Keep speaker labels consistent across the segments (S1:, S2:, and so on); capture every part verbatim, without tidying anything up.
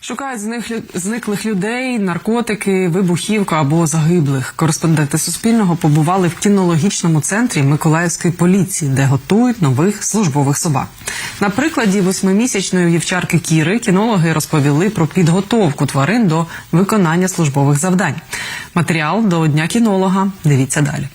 S1: Шукають зниклих, зниклих людей, наркотики, вибухівку або загиблих. Кореспонденти Суспільного побували в кінологічному центрі Миколаївської поліції, де готують нових службових собак. На прикладі восьмимісячної вівчарки Кіри кінологи розповіли про підготовку тварин до виконання службових завдань. Матеріал до Дня кінолога. Дивіться далі.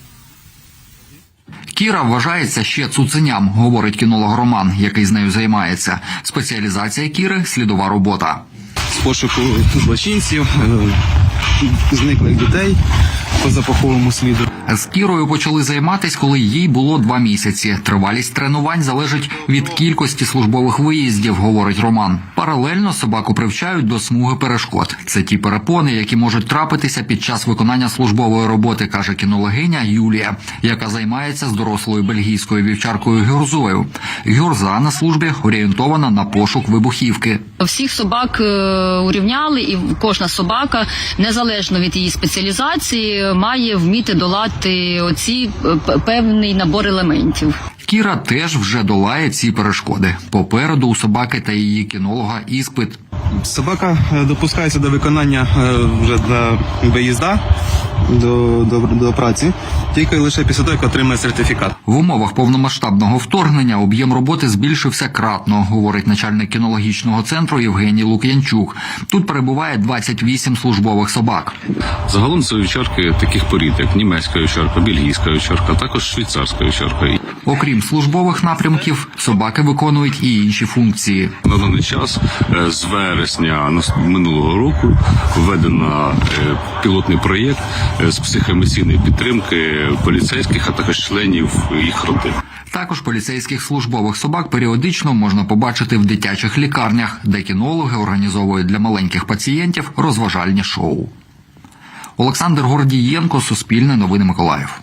S2: Кіра вважається ще цуценям, говорить кінолог Роман, який з нею займається. Спеціалізація Кіри – слідова робота.
S3: З пошуку злочинців, зниклих дітей по запаховому сліду.
S2: З Кірою почали займатися, коли їй було два місяці. Тривалість тренувань залежить від кількості службових виїздів, говорить Роман. Паралельно собаку привчають до смуги перешкод. Це ті перепони, які можуть трапитися під час виконання службової роботи, каже кінологиня Юлія, яка займається з дорослою бельгійською вівчаркою Гюрзою. Гюрза на службі орієнтована на пошук вибухівки.
S4: Всіх собак урівняли, і кожна собака, незалежно від її спеціалізації, має вміти долати оці певний набор елементів.
S2: Кіра теж вже долає ці перешкоди. Попереду у собаки та її кінолога іспит.
S3: Собака допускається до виконання вже до виїзда, до, до, до праці, тільки лише після того, як отримає сертифікат.
S2: В умовах повномасштабного вторгнення об'єм роботи збільшився кратно, говорить начальник кінологічного центру Євгеній Лук'янчук. Тут перебуває двадцять вісім службових собак.
S5: Загалом це вівчарки таких порід, як німецька вівчарка, бельгійська вівчарка, також швейцарська вівчарка.
S2: Окрім службових напрямків, собаки виконують і інші функції.
S5: На даний час з вересня минулого року введено пілотний проєкт з психоемоційної підтримки поліцейських, а також членів їх родин.
S2: Також поліцейських службових собак періодично можна побачити в дитячих лікарнях, де кінологи організовують для маленьких пацієнтів розважальні шоу. Олександр Гордієнко, Суспільне новини, Миколаїв.